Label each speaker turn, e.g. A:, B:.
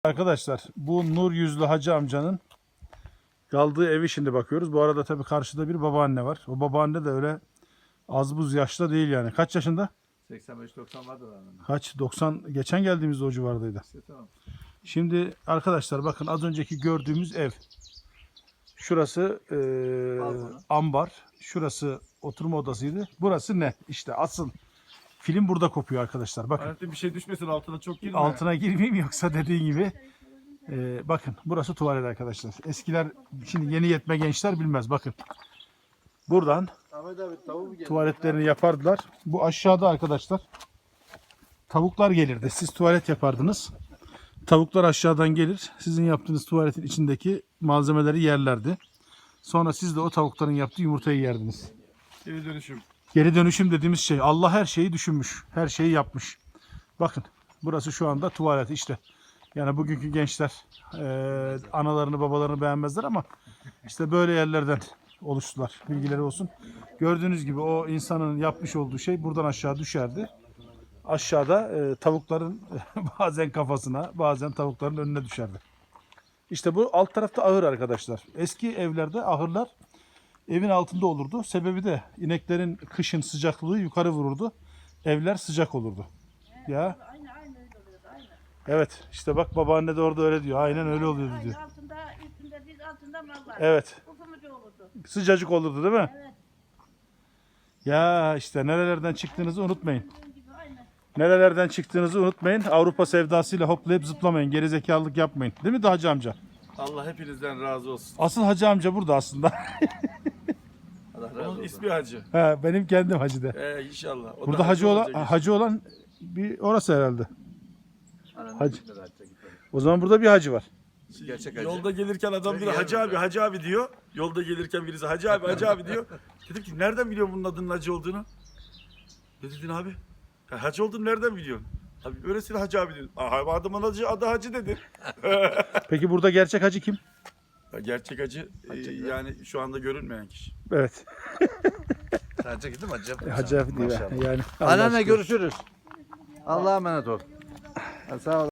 A: Arkadaşlar bu nur yüzlü hacı amcanın kaldığı evi şimdi bakıyoruz. Bu arada tabii karşıda bir babaanne var. O babaanne de öyle az buz yaşta değil yani. Kaç yaşında?
B: 85-90 vardır herhalde.
A: Kaç? 90. Geçen geldiğimizde o civardaydı.
B: İşte tamam.
A: Şimdi arkadaşlar bakın az önceki gördüğümüz ev. Şurası ambar. Şurası oturma odasıydı. Burası ne? İşte asıl film burada kopuyor arkadaşlar. Bakın.
B: Hayatım bir şey düşmesin altına çok girme.
A: Altına girmeyeyim yoksa dediğin gibi. Bakın burası tuvalet arkadaşlar. Eskiler şimdi yeni yetme gençler bilmez. Bakın. Buradan
B: Ahmet abi tavuğu mu geldi?
A: tuvaletlerini yapardılar. Bu aşağıda arkadaşlar tavuklar gelirdi. Siz tuvalet yapardınız. Tavuklar aşağıdan gelir. Sizin yaptığınız tuvaletin içindeki malzemeleri yerlerdi. Sonra siz de o tavukların yaptığı yumurtayı yerdiniz.
B: Geri dönüşüm.
A: Geri dönüşüm dediğimiz şey. Allah her şeyi düşünmüş. Her şeyi yapmış. Bakın burası şu anda tuvalet işte. Yani bugünkü gençler analarını babalarını beğenmezler ama işte böyle yerlerden oluştular. Bilgileri olsun. Gördüğünüz gibi o insanın yapmış olduğu şey buradan aşağı düşerdi. Aşağıda tavukların bazen kafasına bazen tavukların önüne düşerdi. İşte bu alt tarafta ahır arkadaşlar. Eski evlerde ahırlar evin altında olurdu. Sebebi de ineklerin kışın sıcaklığı yukarı vururdu. Evler sıcak olurdu. Ya.
C: Aynı öyle oluyordu aynı.
A: Evet işte bak babaanne de orada öyle diyor. Aynen öyle oluyordu diyor.
C: Altında üstünde biz altında mallar.
A: Evet.
C: Ufumucu olurdu.
A: Sıcacık olurdu değil mi?
C: Evet.
A: Ya işte nerelerden çıktığınızı unutmayın.
C: Bizim gibi aynı.
A: Nerelerden çıktığınızı unutmayın. Avrupa sevdasıyla hoplayıp zıplamayın. Gerizekalılık yapmayın. Değil mi de hacı amca?
B: Allah hepinizden razı olsun.
A: Asıl hacı amca burada aslında.
B: Allah razı olsun. Onun ismi Hacı.
A: Ha, benim kendim hacı de.
B: İnşallah. O da
A: Burada hacı olan
B: olacak
A: hacı olan bir orası herhalde.
B: inşallah.
A: Hacı. O zaman burada bir hacı var.
B: Gerçek hacı. Yolda gelirken adam diyor hacı abi diyor. Yolda gelirken birisi hacı abi diyor. Dedim ki nereden biliyorsun bunun adının hacı olduğunu? Ne dedin abi? Ya, hacı olduğunu nereden biliyorsun? Abi öylesine hacı abi diyor. Aha, adamın adı hacı dedi.
A: Peki burada gerçek hacı kim?
B: Gerçek hacı yani şu anda görünmeyen kişi.
A: Evet.
D: Sadece gittim hacı.
A: Hacı abi değil. Yani Allah
D: Anneanne
A: aşkına.
D: görüşürüz. Allah'a emanet ol. Sağ ol.